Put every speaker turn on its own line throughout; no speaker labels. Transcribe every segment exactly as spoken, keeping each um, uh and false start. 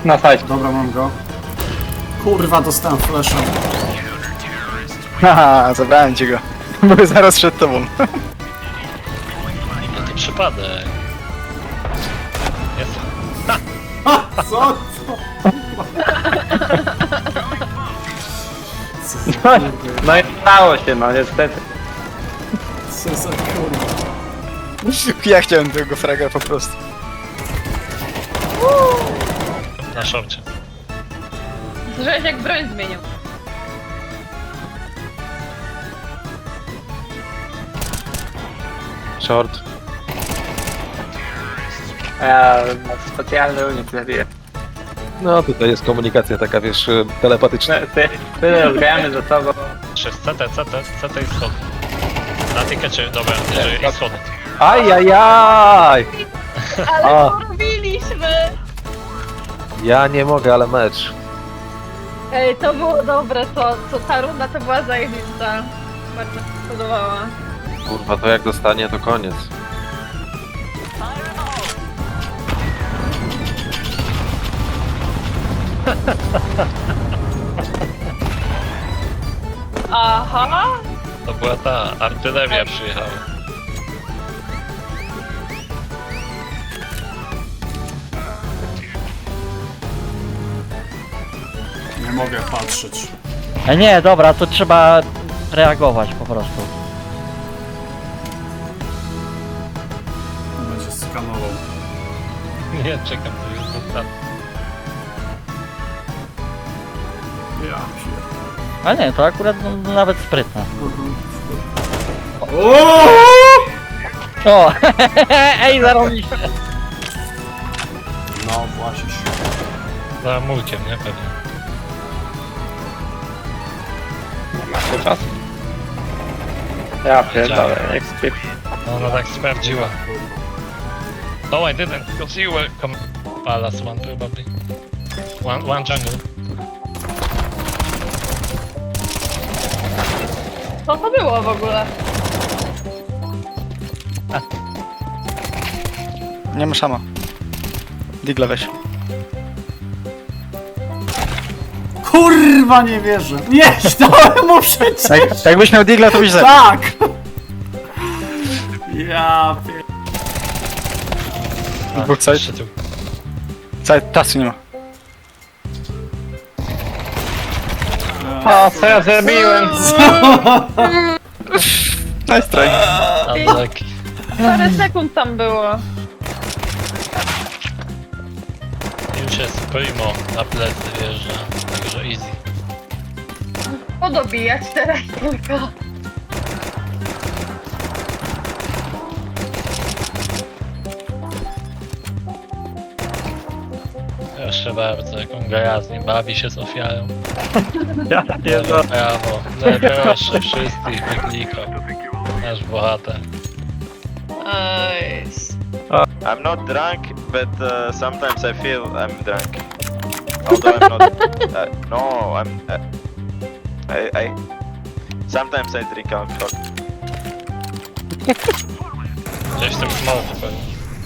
na sajcie.
Dobra, mam go. Kurwa, dostałem flasha.
Haha, zabrałem ci go. Były zaraz przed tobą.
No to przypadek. Jest.
Ha! Co? Co? Co za kurwa?
No i stało się, no niestety.
Co za kurwa?
Ja chciałem tego fraga po prostu.
Na szorcie.
Słyszałeś jak broń zmienił.
Short.
Ja specjalny unik zabiję.
No tutaj jest komunikacja taka, wiesz, telepatyczna.
Ty, tyle rozgramy ze sobą.
Przez C T, C T, C T i schody. Na tykecie, dobra, jeżeli i schody.
Ajajaj!
Ale
A.
co robiliśmy?
Ja nie mogę, ale mecz.
Ej, to było dobre, to, to ta runda to była zajebista. Bardzo mi się podobała.
Kurwa, to jak dostanie, to koniec.
Aha!
To była ta artyleria przyjechała.
Nie mogę patrzeć.
E, nie, dobra, to trzeba reagować po prostu.
Będzie skanował.
Nie, czekam, to jest został.
Ja pier...
A nie, to akurat no, nawet sprytne.
O!
O! Ej, zarobiście!
No właśnie.
Za mulkiem, nie? Pewnie.
Macie czas? Ja pierdolę, jak skrypt.
No ona tak sprawdziła. No I didn't, because you were come... Palace one probably. One, one jungle.
Co to było w ogóle?
Nie ma szama. Digla weź.
Kurwa, nie wierzę. Nie, dałem mu przecież.
Jak, jakbyś miał digla, to byś zabił.
Tak! Ja pier...
Dwóch side.
Jeszcze tu.
Side, czasu nie ma.
O, co ja zrobiłem?
Nice try.
Unlucky.
Parę sekund tam było.
Już jest primo na plecy wjeżdża, także easy.
Podobijać teraz tylko.
Proszę bardzo, jaką gra z nim bawi się z ofiarą.
Ja pierdolę.
Brawo, no proszę, wszystkich wyklikał. Nasz bohater.
Nice.
I'm not drunk, but uh, sometimes I feel I'm drunk. Although I'm not. Uh, no, I'm. Uh, I, I. Sometimes I drink alcohol.
Gdzieś tam smoke pewnie.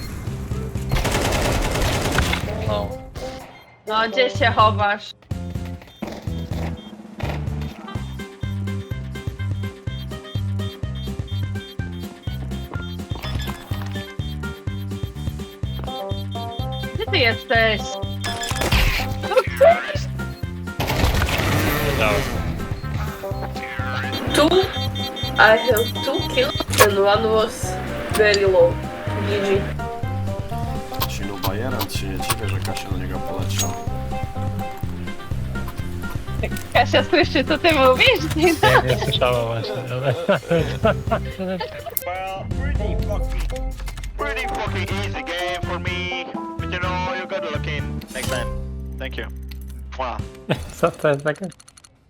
No.
No, gdzie się chowasz? Gdzie ty jesteś?
Wiedziałem.
Two, I have two kills and one was very low. G G.
Silu Bajerant się nie dziwię, że Kasia do niego poleciała.
Kasia słyszy, co ty mówisz?
Nie, nie słyszałem właśnie, ale...
Well, pretty fucking. Pretty fucking easy game for me. But you know, you gotta look in next time. Thank you. Mwah.
Co to jest takie?